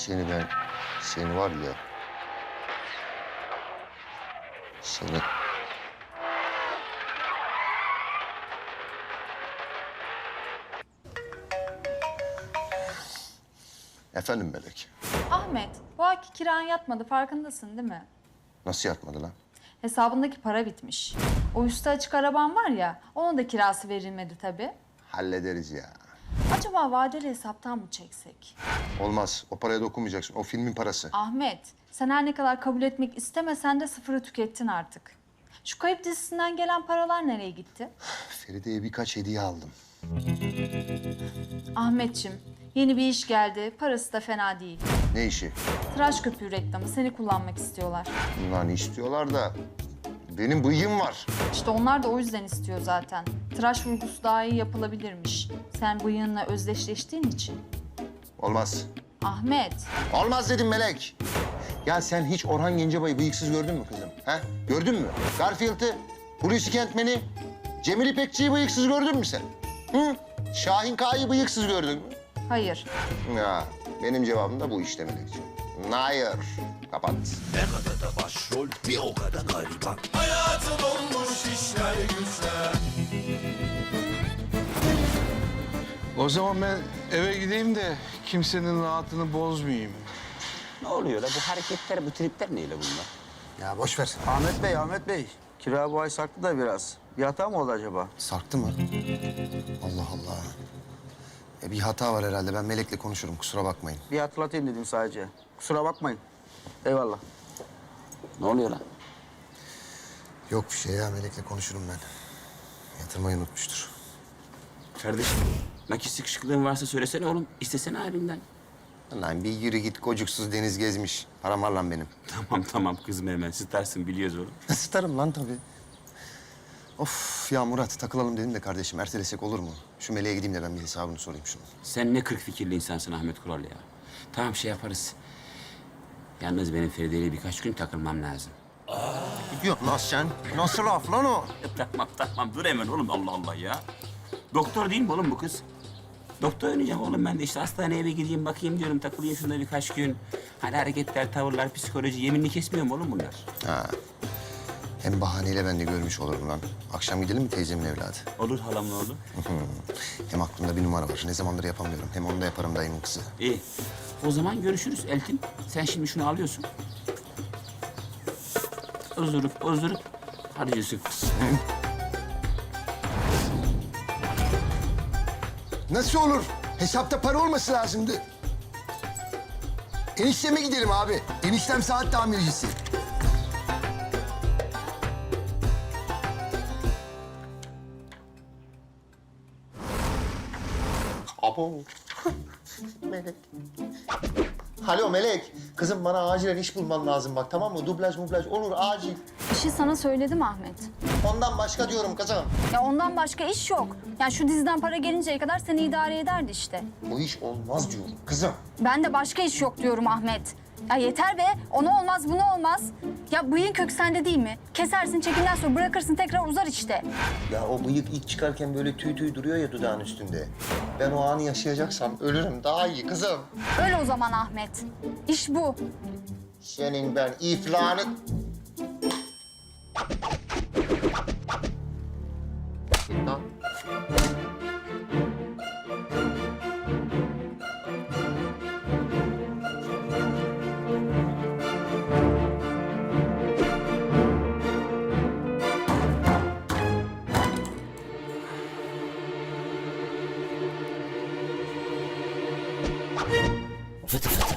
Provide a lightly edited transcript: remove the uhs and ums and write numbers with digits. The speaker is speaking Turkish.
Seni var ya... Seni... Efendim Melek, Ahmet, bu ayki kiran yatmadı. Farkındasın değil mi? nasıl yatmadı lan? Hesabındaki para bitmiş. O üstü açık araban var ya, onun da kirası verilmedi tabii. Hallederiz ya. Acaba vadeli hesaptan mı çeksek? Olmaz, o paraya dokunmayacaksın. O filmin parası. Ahmet, sen her ne kadar kabul etmek istemesen de sıfırı tükettin artık. Şu kayıp dizisinden gelen paralar nereye gitti? Feride'ye birkaç hediye aldım. Ahmetçim, yeni bir iş geldi. Parası da fena değil. Ne işi? Tıraş köpüğü reklamı. Seni kullanmak istiyorlar. Bunlar istiyorlar da... Benim bıyığım var. İşte onlar da o yüzden istiyor zaten. Tıraş vurgusu daha iyi yapılabilirmiş. Sen bıyığınla özdeşleştiğin için. Olmaz. Ahmet, Olmaz dedim Melek. Ya sen hiç Orhan Gencebay'ı bıyıksız gördün mü kızım? Ha? Gördün mü? Garfield'ı, Hulusi Kentmen'i, Cemil İpekçi'yi bıyıksız gördün mü sen? Hı? Şahin K'yı bıyıksız gördün mü? hayır. Ya benim cevabım da bu işte Melekciğim. Hayır. Kapat. Ne kadar da başrol bir o kadar gariban. Hayatı dolmuş işler güçler. O zaman ben eve gideyim de kimsenin rahatını bozmayayım. Ne oluyor la? Bu hareketler, bu tripler neyle bunlar? Ya boş ver. Ahmet Bey. Kira bu ay sarktı da biraz. Bir hata mı oldu acaba? Sarktı mı? Allah Allah. Bir hata var herhalde. Ben Melek'le konuşurum. Kusura bakmayın. Bir hatırlatayım dedim sadece. Kusura bakmayın. Eyvallah. Ne oluyor la? Yok bir şey ya. Melek'le konuşurum ben. Yatırmayı unutmuştur. Kardeşim, nakit sıkışıklığın varsa söylesene oğlum. İstesene halinden. Lan bir yürü git. Kocuksuz deniz gezmiş. Param var lan benim. Tamam kızma hemen. Sıtarsın biliyoruz oğlum. Sıtarım lan tabii. Of ya Murat takılalım dedim de kardeşim ertelesek olur mu? Şu Melek'e gideyim de ben bir hesabını sorayım şunu. Sen ne kırk fikirli insansın Ahmet Kural ya. Tamam şey yaparız. Yalnız benim Feride'yle birkaç gün takılmam lazım. Yok lan sen. Nasıl laf lan o? Tamam dur hemen oğlum Allah Allah ya. Doktor değil mi oğlum bu kız? Doktor oynayacağım oğlum ben de işte hastaneye bir gideyim bakayım diyorum takılayım şunda birkaç gün. Hani hareketler, tavırlar, psikoloji yeminini kesmiyor mu oğlum bunlar? Ha. Hem bahaneyle ben de görmüş olurum lan. Akşam gidelim mi teyzemin evladı? Olur halamın oğlu. Hem aklımda bir numara var. Ne zamandır yapamıyorum. Hem onu da yaparım dayımın kızı. İyi. O zaman görüşürüz Eltin. Sen şimdi şunu alıyorsun. Ozurup harcıyorsun. Nasıl olur? Hesapta para olması lazımdı. Enişteme gidelim abi. Eniştem saat tamircisi. Abo. Melek. Alo Melek. Kızım bana acilen iş bulman lazım bak tamam mı? Dublaj olur acil. İşi sana söyledim Ahmet. Ondan başka diyorum kızım. Ya ondan başka iş yok. Yani şu diziden para gelinceye kadar seni idare ederdi işte. Bu iş olmaz diyorum kızım. Ben de başka iş yok diyorum Ahmet. Ya yeter be. Ona olmaz, buna olmaz. Ya bıyığın kök sende değil mi? Kesersin, çekimden sonra bırakırsın tekrar uzar işte. Ya o bıyık ilk çıkarken böyle tüy duruyor ya dudağın üstünde. Ben o anı yaşayacaksam ölürüm daha iyi kızım. Öyle o zaman Ahmet. İş bu. Senin ben iflahını... Lan. Fıtı fıtı.